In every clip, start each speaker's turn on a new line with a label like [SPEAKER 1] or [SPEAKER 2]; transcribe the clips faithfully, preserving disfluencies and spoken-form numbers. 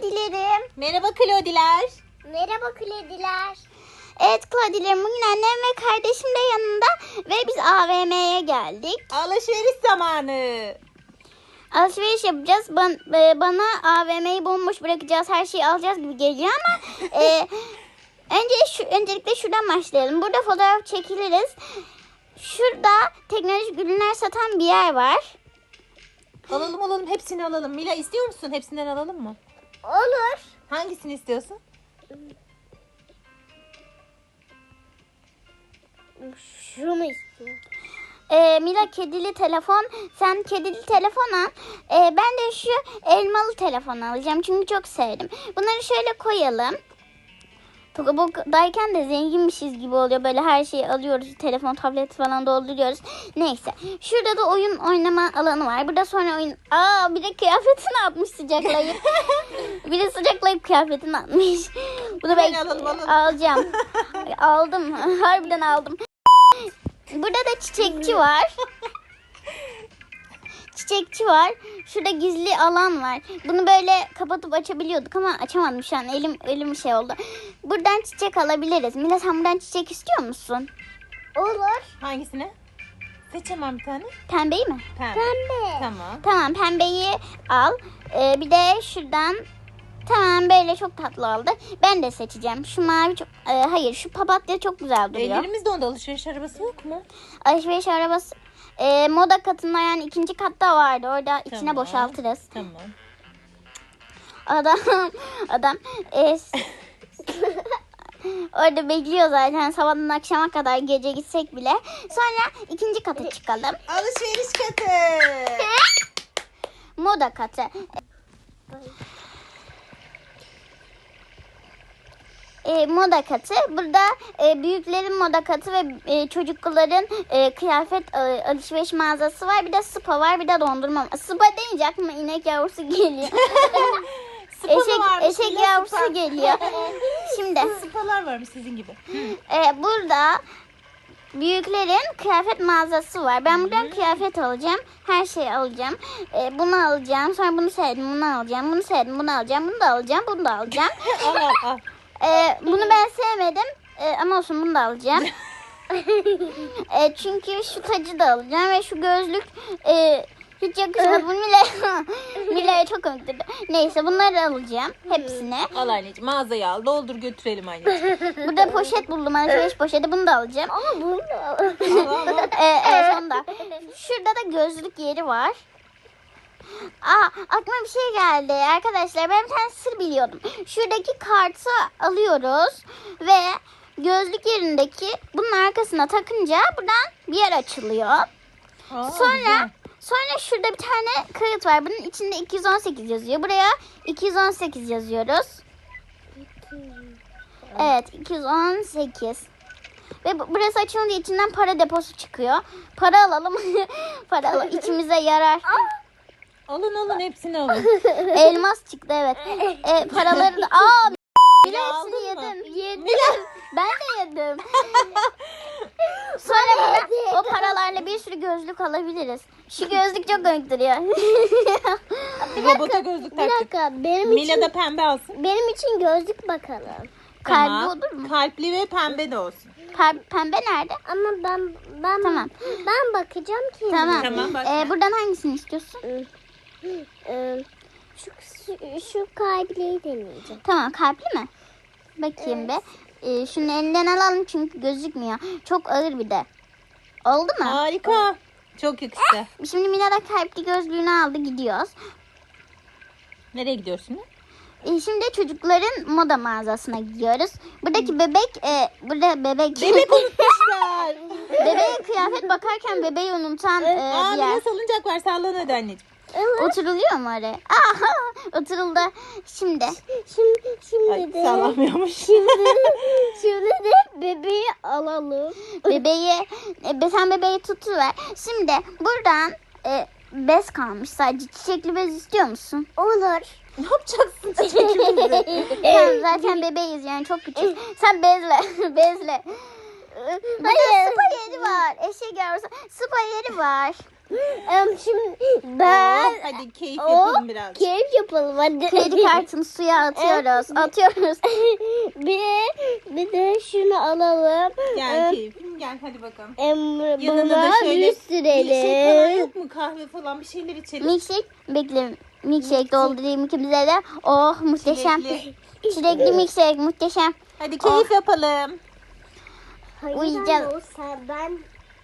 [SPEAKER 1] Klodilerim.
[SPEAKER 2] Merhaba Klodiler.
[SPEAKER 1] Merhaba Klodiler. Evet Klodilerim, bugün annem ve kardeşim de yanında ve biz A V M'ye geldik.
[SPEAKER 2] Alışveriş zamanı.
[SPEAKER 1] Alışveriş yapacağız. Ban, e, bana A V M'yi bomboş bırakacağız. Her şeyi alacağız gibi geliyor ama e, önce şu, öncelikle şuradan başlayalım. Burada fotoğraf çekiliriz. Şurada teknolojik ürünler satan bir yer var.
[SPEAKER 2] Alalım alalım hepsini alalım. Mila istiyor musun? Hepsinden alalım mı?
[SPEAKER 1] Olur.
[SPEAKER 2] Hangisini istiyorsun?
[SPEAKER 1] Şunu istiyorum. Ee, Mila kedili telefon. Sen kedili telefon al. Ee, ben de şu elmalı telefon alacağım. Çünkü çok sevdim. Bunları şöyle koyalım. Tokabo'dayken de zenginmişiz gibi oluyor. Böyle her şeyi alıyoruz. Telefon, tablet falan dolduruyoruz. Neyse. Şurada da oyun oynama alanı var. Burada sonra oyun... Aa bir de kıyafetini atmış sıcaklayıp. Bir de sıcaklayıp kıyafetini atmış. Bunu ben
[SPEAKER 2] alalım, alalım.
[SPEAKER 1] alacağım. Aldım. Harbiden aldım. Burada da çiçekçi var. Çiçekçi var. Şurada gizli alan var. Bunu böyle kapatıp açabiliyorduk ama açamadım şu an. Elim elim şey oldu. Buradan çiçek alabiliriz. Mila sen buradan çiçek istiyor musun? Olur.
[SPEAKER 2] Hangisini? Seç hemen bir tane.
[SPEAKER 1] Pembeyi mi?
[SPEAKER 2] Pembe.
[SPEAKER 1] Pembe.
[SPEAKER 2] Tamam.
[SPEAKER 1] Tamam pembeyi al. Ee, bir de şuradan tamam böyle çok tatlı oldu. Ben de seçeceğim. Şu mavi çok... e, hayır şu papatya çok güzel duruyor.
[SPEAKER 2] Ellerimizde onda alışveriş arabası yok mu?
[SPEAKER 1] Alışveriş arabası e, moda katında yani ikinci katta vardı. Orada içine
[SPEAKER 2] Tamam.
[SPEAKER 1] boşaltırız.
[SPEAKER 2] Tamam.
[SPEAKER 1] Adam adam e, orada bekliyor zaten sabahtan akşama kadar gece gitsek bile. Sonra ikinci kata çıkalım.
[SPEAKER 2] Alışveriş katı.
[SPEAKER 1] Moda katı. E, moda katı. Burada e, büyüklerin moda katı ve e, çocukların e, kıyafet e, alışveriş mağazası var. Bir de spa var, bir de dondurma. Spa deyince aklıma inek yavrusu geliyor. eşek eşek
[SPEAKER 2] Mila,
[SPEAKER 1] yavrusu
[SPEAKER 2] spa.
[SPEAKER 1] geliyor. Şimdi
[SPEAKER 2] Spalar varmış sizin gibi.
[SPEAKER 1] e, burada büyüklerin kıyafet mağazası var. Ben buradan kıyafet alacağım. Her şeyi alacağım. E, bunu alacağım. Sonra bunu sevdim. Bunu alacağım. Bunu sevdim. Bunu alacağım. Bunu da alacağım. Bunu da alacağım.
[SPEAKER 2] Al al al.
[SPEAKER 1] Ee, bunu ben sevmedim ee, ama olsun bunu da alacağım. ee, çünkü şu tacı da alacağım ve şu gözlük e, hiç yakışmadı. Bu Mila, Mila'ya çok komikti. Neyse bunları alacağım hepsini.
[SPEAKER 2] Al anneciğim mağazaya al. Doldur götürelim anneciğim.
[SPEAKER 1] Burada poşet buldum. Alışveriş poşeti bunu da alacağım. Ama bunu da
[SPEAKER 2] Al al al.
[SPEAKER 1] ee, evet sonunda. Şurada da gözlük yeri var. Aa, aklıma bir şey geldi arkadaşlar. Ben bir tane sır biliyordum. Şuradaki kartı alıyoruz ve gözlük yerindeki bunun arkasına takınca buradan bir yer açılıyor.
[SPEAKER 2] Aa,
[SPEAKER 1] Sonra
[SPEAKER 2] güzel.
[SPEAKER 1] sonra şurada bir tane kağıt var. Bunun içinde iki yüz on sekiz yazıyor. Buraya iki yüz on sekiz yazıyoruz. Evet, iki yüz on sekiz. Ve bu- burası açılınca içinden para deposu çıkıyor. Para alalım. Para alalım. İçimize yarar.
[SPEAKER 2] Alın alın hepsini alın.
[SPEAKER 1] Elmas çıktı evet. E, paraları da... Aa, Mila hepsini
[SPEAKER 2] aldın mı?
[SPEAKER 1] yedim. Yedim. Ben de yedim. Sonra burada o paralarla bir sürü gözlük alabiliriz. Şu gözlük çok komik duruyor.
[SPEAKER 2] Robota gözlük taktık.
[SPEAKER 1] benim
[SPEAKER 2] Mila da pembe alsın.
[SPEAKER 1] benim için gözlük bakalım.
[SPEAKER 2] Tamam.
[SPEAKER 1] Kalbi olur mu?
[SPEAKER 2] Kalpli ve pembe de olsun.
[SPEAKER 1] Pe- pembe nerede?
[SPEAKER 3] Ama ben ben
[SPEAKER 1] Tamam.
[SPEAKER 3] ben bakacağım ki.
[SPEAKER 1] Tamam.
[SPEAKER 2] Tamam, bak.
[SPEAKER 1] Ee, buradan hangisini istiyorsun?
[SPEAKER 3] Ee, şu, şu şu kalbiyi deneyeceğim.
[SPEAKER 1] Tamam kalpli mi? Bakayım be. Ee, şunu elinden alalım çünkü gözükmüyor. Çok ağır bir de. Oldu mu?
[SPEAKER 2] Harika. Çok yakıştı.
[SPEAKER 1] Şimdi Mila da kalpli gözlüğünü aldı gidiyoruz.
[SPEAKER 2] Nereye gidiyorsun?
[SPEAKER 1] Ee, şimdi çocukların moda mağazasına gidiyoruz. Buradaki bebek, e, burada bebek.
[SPEAKER 2] Bebek unutmuşlar.
[SPEAKER 1] Bebeğe kıyafet bakarken bebeği unutan e,
[SPEAKER 2] Aa,
[SPEAKER 1] bir yer.
[SPEAKER 2] Mila salıncak var sallan hadi anneciğim.
[SPEAKER 1] Oturuluyor mu oraya? Aha, oturuldu. Şimdi.
[SPEAKER 3] Şimdi şimdi
[SPEAKER 2] Ay,
[SPEAKER 3] de
[SPEAKER 2] sallamıyormuş.
[SPEAKER 3] şimdi de bebeği alalım.
[SPEAKER 1] Bebeği, e, sen bebeği tutuver. Şimdi buradan e, bez kalmış sadece. Çiçekli bez istiyor musun?
[SPEAKER 3] Olur.
[SPEAKER 2] Ne yapacaksın çiçekimizi?
[SPEAKER 1] Sen zaten bebeğiz yani çok küçük. Sen bezle, bezle. Hayır, spa yeri var. Eşek yavrusu. Spa yeri var.
[SPEAKER 3] Em, şimdi ben
[SPEAKER 2] Oh, hadi keyif
[SPEAKER 3] o
[SPEAKER 2] yapalım biraz.
[SPEAKER 3] keyif yapalım hadi.
[SPEAKER 1] Kredi kartını suya atıyoruz. Atıyoruz.
[SPEAKER 3] bir bir de şunu alalım.
[SPEAKER 2] Gel
[SPEAKER 3] Em,
[SPEAKER 2] keyfim gel hadi bakalım.
[SPEAKER 3] em,
[SPEAKER 2] Yanına
[SPEAKER 3] buna
[SPEAKER 2] da şöyle
[SPEAKER 3] yüz
[SPEAKER 2] bir şey falan
[SPEAKER 3] sürelim.
[SPEAKER 2] yok mu? Kahve falan bir şeyler içelim.
[SPEAKER 1] Milkshake. Bekle. Milkshake doldurayım ikimize de. Oh muhteşem.
[SPEAKER 2] Çilekli.
[SPEAKER 1] Çilekli milkshake muhteşem.
[SPEAKER 2] Hadi keyif yapalım.
[SPEAKER 3] Hayır,
[SPEAKER 1] Uyuyacağız.
[SPEAKER 3] anne, o sen ben.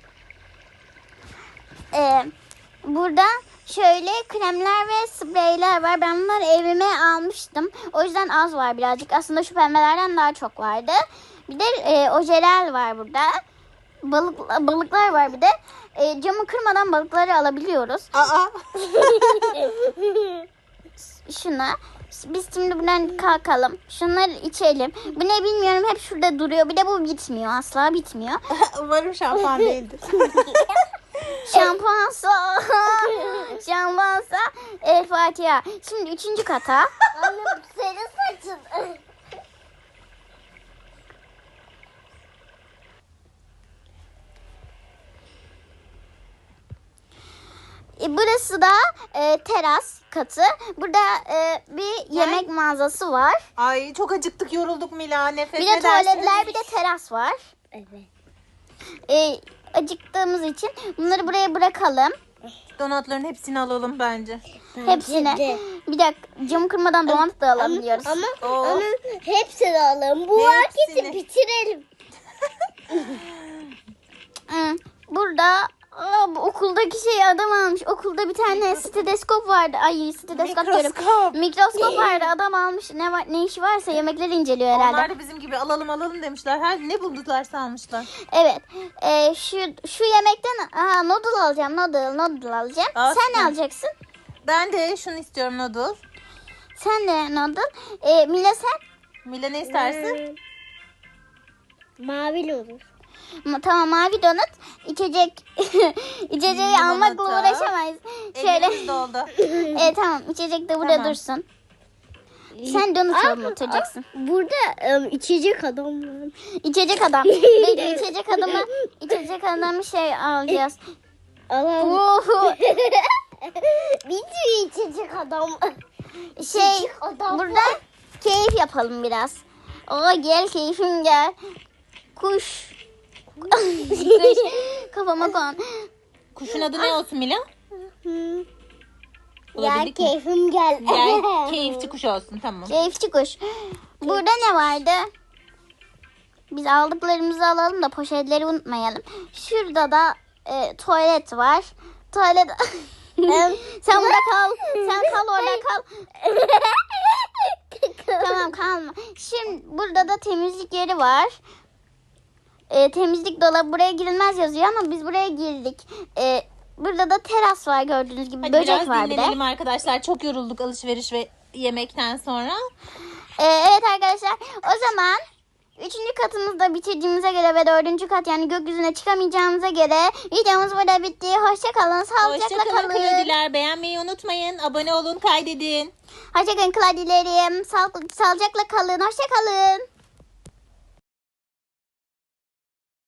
[SPEAKER 1] Ee, burada şöyle kremler ve spreyler var. Ben bunları evime almıştım. O yüzden az var birazcık. Aslında şu pembelerden daha çok vardı. Bir de e, ojeler var burada. Balık, balıklar var bir de. E, camı kırmadan balıkları alabiliyoruz.
[SPEAKER 2] Aa.
[SPEAKER 1] Şuna. Biz şimdi buradan kalkalım. Şunları içelim. Bu ne bilmiyorum, hep şurada duruyor. Bir de bu bitmiyor. Asla bitmiyor.
[SPEAKER 2] Umarım şampuan değildir.
[SPEAKER 1] Şampuansa. Şampuansa. El Fatiha. Şimdi üçüncü kata.
[SPEAKER 3] Anne senin saçın.
[SPEAKER 1] E, Burası da e, teras katı. Burada e, bir yemek mağazası var.
[SPEAKER 2] Ay çok acıktık, yorulduk Mila. Nefes
[SPEAKER 1] Bir de
[SPEAKER 2] edersiniz.
[SPEAKER 1] tuvaletler, bir de teras var.
[SPEAKER 3] Evet.
[SPEAKER 1] E, acıktığımız için bunları buraya bırakalım.
[SPEAKER 2] Donatların hepsini alalım bence.
[SPEAKER 1] Hepsine.
[SPEAKER 3] de.
[SPEAKER 1] Bir dakika, camı kırmadan donat da alabiliyoruz.
[SPEAKER 3] Ama
[SPEAKER 2] Oh.
[SPEAKER 3] ama hepsini alalım. Bu
[SPEAKER 2] Hepsini.
[SPEAKER 3] marketi bitirelim.
[SPEAKER 1] Hı, Burada aa, bu okuldaki şey adam almış. Okulda bir tane steteskop vardı. Ay steteskop diyorum.
[SPEAKER 2] Mikroskop.
[SPEAKER 1] Mikroskop vardı. Adam almış. Ne var, ne işi varsa yemekleri inceliyor herhalde.
[SPEAKER 2] Onlar da bizim gibi alalım alalım demişler. Her ne bulduklarsa almışlar.
[SPEAKER 1] Evet. Ee, şu şu yemekten aa, noodle alacağım. Noodle, noodle alacağım.
[SPEAKER 2] Aa,
[SPEAKER 1] Sen ne
[SPEAKER 2] süper.
[SPEAKER 1] alacaksın?
[SPEAKER 2] Ben de şunu istiyorum, noodle.
[SPEAKER 1] Sen de noodle. Ee, Mila sen?
[SPEAKER 2] Mila ne istersin?
[SPEAKER 3] Mavi olur.
[SPEAKER 1] Ma- Tamam, mavi donut. İçecek. İçeceği
[SPEAKER 2] Limonata.
[SPEAKER 1] almakla uğraşamayız. Şöyle.
[SPEAKER 2] Elimiz doldu.
[SPEAKER 1] Evet tamam. İçecek de burada
[SPEAKER 2] Tamam.
[SPEAKER 1] dursun. Sen donut
[SPEAKER 3] Aa,
[SPEAKER 1] alıp oturacaksın.
[SPEAKER 3] Burada em, içecek adam var.
[SPEAKER 1] İçecek adam. Bekle, içecek adamı. İçecek adamı şey alacağız.
[SPEAKER 3] Alalım.
[SPEAKER 1] Uhu.
[SPEAKER 3] Bir sürü içecek adam.
[SPEAKER 1] Şey
[SPEAKER 3] İçecek adam
[SPEAKER 1] burada
[SPEAKER 3] var.
[SPEAKER 1] keyif yapalım biraz. Oo gel keyfim gel. Kuş. Kuş. Kafama kon.
[SPEAKER 2] Kuşun adı ne olsun Mila?
[SPEAKER 3] Hı. Gel
[SPEAKER 2] Bulabildik mi?
[SPEAKER 3] keyfim gel.
[SPEAKER 2] Gel keyifçi kuş olsun, tamam.
[SPEAKER 1] Keyifçi kuş. Burada ne vardı? Biz aldıklarımızı alalım da poşetleri unutmayalım. Şurada da e, tuvalet var. Tuvalet... Sen burada kal. Sen kal orada kal. Tamam kalma. Şimdi burada da temizlik yeri var. E, temizlik dolabı, buraya girilmez yazıyor ama biz buraya girdik. E, burada da teras var, gördüğünüz gibi.
[SPEAKER 2] Hadi
[SPEAKER 1] Böcek
[SPEAKER 2] biraz
[SPEAKER 1] var bir de.
[SPEAKER 2] dinlenelim arkadaşlar. Çok yorulduk alışveriş ve yemekten sonra.
[SPEAKER 1] E, evet arkadaşlar, o zaman üçüncü katımızda bitirdiğimize göre ve dördüncü kat yani gökyüzüne çıkamayacağımıza göre videomuz burada bitti. Hoşça kalın. Sağlıcakla
[SPEAKER 2] Hoşçakalın
[SPEAKER 1] kalın.
[SPEAKER 2] Kladiler. Beğenmeyi unutmayın. Abone olun, kaydedin.
[SPEAKER 1] Hoşça kalın Kladilerim. Sağ, sağlıcakla kalın. Hoşça kalın.